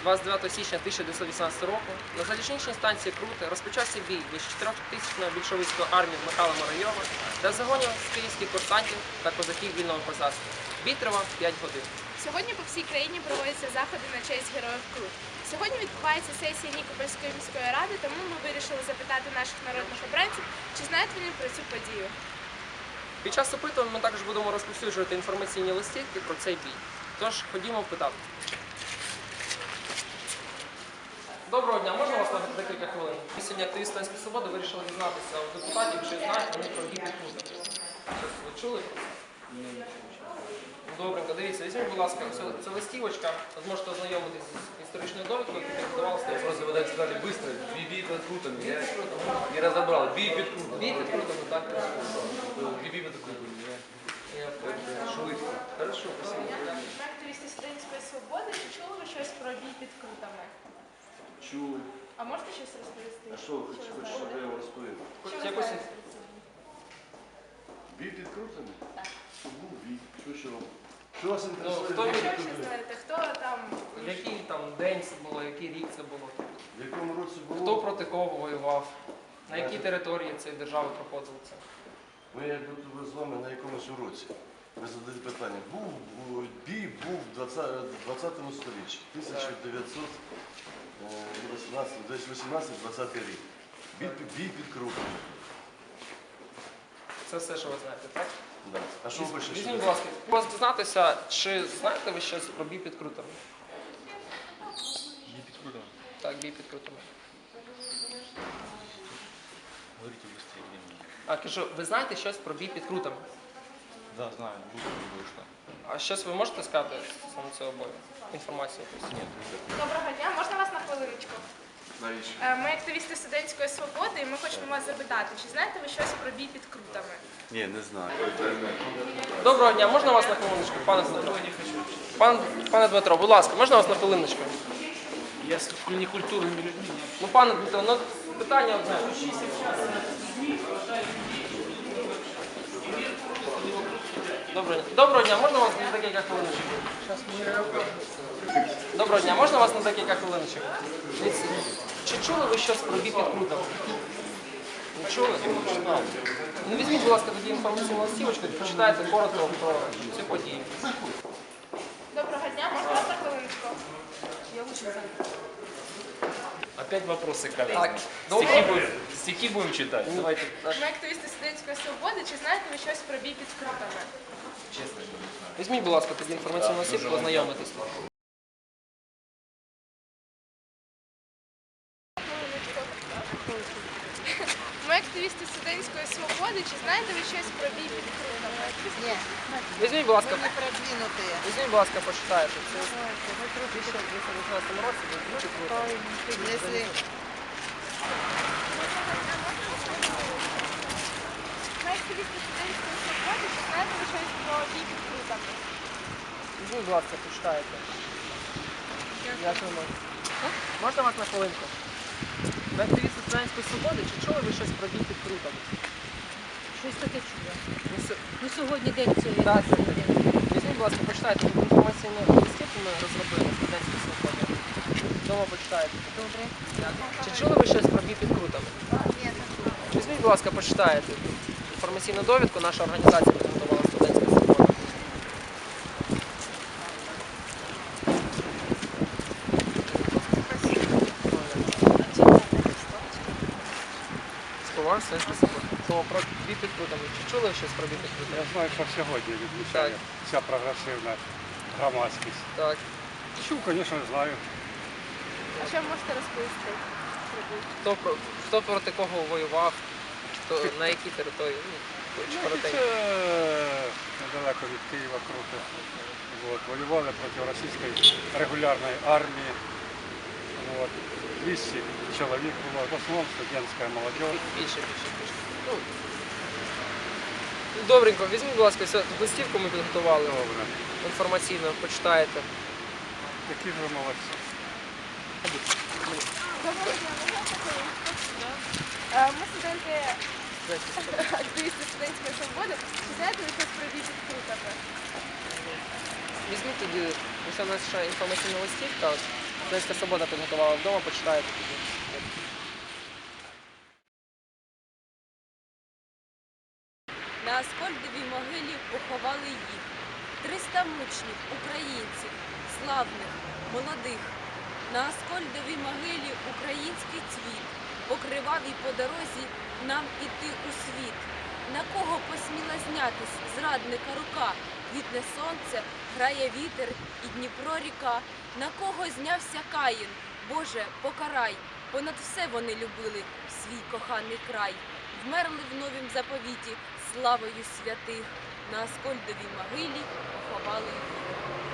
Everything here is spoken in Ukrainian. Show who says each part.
Speaker 1: 29 січня 1918 року на залізничній станції Круте розпочався бій між 4-тисячною більшовицькою армією Михайла Муравйова та загонів з київських курсантів та козаків вільного козацтва. Бій тривав 5 годин.
Speaker 2: Сьогодні по всій країні проводяться заходи на честь героїв Крут. Сьогодні відбувається сесія Нікопольської міської ради, тому ми вирішили запитати наших народних обранців, чи знають вони про цю подію.
Speaker 1: Під час опитувань ми також будемо розповсюджувати інформаційні листівки про цей бій. Тож, ходімо питати. Доброго дня, можна вас на декілька хвилин? Ми сьогодні активісти Станської Свободи вирішили дізнатися у депутатів, чи знають вони про бій під Крутом. Ви чули про це? Ні. Добренько, дивіться, візьміть, будь ласка, це листівочка, ви зможете ознайомитися з історичною довідкою, яку підготувалася.
Speaker 3: Просто вы так сказали быстро, бей под крутами, я не разобрал, бей под крутами.
Speaker 1: Бій під Крутом, так?
Speaker 3: Бей под крутами,
Speaker 1: Я понял.
Speaker 3: швидко. Хорошо, спасибо.
Speaker 2: Ми активісти Студентської свободи, чи чули ви щось про бій під Крутами?
Speaker 4: Чув.
Speaker 2: А можете щось розповісти?
Speaker 4: А що ви хочете, щоб я вам розповів?
Speaker 2: Що ви
Speaker 1: Якось-
Speaker 2: знаєте про це?
Speaker 4: Бій під крутами? Щоб був бій. Що вам? Що вас
Speaker 1: хто
Speaker 4: інтересує?
Speaker 1: ви?
Speaker 4: Бій
Speaker 2: Що
Speaker 4: під
Speaker 2: ви ще
Speaker 4: крутами?
Speaker 2: знаєте? Хто там?
Speaker 1: Який там день це було, який рік це було?
Speaker 4: В якому році
Speaker 1: Хто
Speaker 4: було?
Speaker 1: проти кого воював? На якій території цієї держави проходило це?
Speaker 4: Ми як будто би з вами на якомусь уроці. Ви задаєте питання. Бій був в 20 сторіччі. 18-20 рік. Бій під крутами.
Speaker 1: Це все, що ви знаєте, так?
Speaker 4: Да. А що ви хочете?
Speaker 1: Візьміть, будь ласка, вас дізнатися, чи знаєте ви щось про бій під Крутами?
Speaker 3: Бей под крутами.
Speaker 1: Так, бій під Крутами.
Speaker 3: Говорите быстрее, времени.
Speaker 1: А кажу, ви знаєте щось про бій під Крутами?
Speaker 3: Да, знаю, быстро не вышло.
Speaker 1: А щось ви можете сказати саме цього бою? Інформацію якусь?
Speaker 3: Нет,
Speaker 2: Доброго дня, можна вас на хвилиночку?
Speaker 4: Навіщо?
Speaker 2: Ми активісти Студентської свободи, і ми хочемо вас запитати, чи знаєте ви щось про бій під Крутами?
Speaker 4: Ні, не знаю.
Speaker 1: Доброго дня, можна вас на хвилиночку, пане Дмитро? Пане Дмитро, будь ласка, можна вас на хвилиночку?
Speaker 3: Я с некультурными людьми.
Speaker 1: Ну, пане Дмитро, ну питання одне. Доброго дня, можна вас на декілька хвилиночок? Доброго дня, можна вас на декілька хвилиночок? Дивіться, чи чули ви щось про бій під Крутом? Не чули? Ну візьміть, будь ласка, тоді інформаційну листівочку і почитайте коротко про цю подію.
Speaker 2: Доброго дня, можна вас на хвилиночку?
Speaker 3: Опять вопросы, коллеги.
Speaker 1: Так, добре.
Speaker 3: Стихи будем читать.
Speaker 1: Давайте. так.
Speaker 2: Ми активісти Студентської свободи, чи знаєте ви щось про бій під Крутами?
Speaker 3: Честно, что не знаю.
Speaker 1: Візьміть, будь ласка, тоді інформаційну листівку, ознайомитись.
Speaker 2: Ми активісти Студентської свободи, чи знаєте ви щось про бій під Крутами?
Speaker 5: Ні,
Speaker 1: Візьміть, будь ласка,
Speaker 5: ми не продвинутые.
Speaker 1: візьміть, будь ласка, почитайте. Це в 2018 році був дуже круто.
Speaker 5: Если
Speaker 2: Ми активісти Студентської свободи, чи знаєте ви щось про бій під Крутами?
Speaker 1: Візьміть, будь ласка, почитайте. Дякуємо. Можна вас на хвилинку? Ви активісти Студентської свободи, чи чули ви щось про бій під Крутами?
Speaker 6: Щось таке чула.
Speaker 1: Ну,
Speaker 6: Ну сьогодні день цієї.
Speaker 1: Так, візьміть, будь ласка, почитайте інформаційну листівку ми розробили Студентської свободи. Вдома почитайте.
Speaker 6: Добре.
Speaker 1: Чи чули ви щось про бій під Крутами?
Speaker 5: нет,
Speaker 1: Візьміть, будь ласка, почитайте. Інформаційну довідку наша організація підготувала Студентська свобода. Співак Студентська свобода. Слово про бій під Крутами. Чи чули щось про бій під Крутами?
Speaker 7: Я знаю, що сьогодні відмічає
Speaker 1: Так.
Speaker 7: вся прогресивна громадськість.
Speaker 1: Так.
Speaker 7: Чув, звісно, знаю.
Speaker 2: А що ви можете розповісти про бій?
Speaker 1: Хто проти кого воював, на якій території? Ну, чи коротенько.
Speaker 7: Це недалеко від Києва круто. От, воювали проти російської регулярної армії. От, 200 чоловік було, в основному студентська молодь.
Speaker 1: Більше. Ну, добренько, візьміть, будь ласка, листівку ми підготували
Speaker 7: Добре.
Speaker 1: інформаційно, почитаєте.
Speaker 7: Які ж ви молодці.
Speaker 2: Доброго дня, можна вас на хвилиночку? Ми студенти, активісти Студентської свободи, чи знаєте ви щось про бій під Крутами?
Speaker 1: Візьміть тоді, ось у нас ще інформаційна листівка, Студентська свобода підготувала вдома, почитаєте тоді.
Speaker 8: На Аскольдовій могилі поховали їх. 300 мучнів, українців, славних, молодих. На Аскольдовій могилі український цвіт, покривав і по дорозі нам іти у світ. На кого посміла знятись зрадника рука? Квітне сонце, грає вітер і Дніпро ріка. На кого знявся Каїн? Боже, покарай! Понад все вони любили свій коханий край. Вмерли в новім заповіті славою святих. На Аскольдовій могилі поховали їх.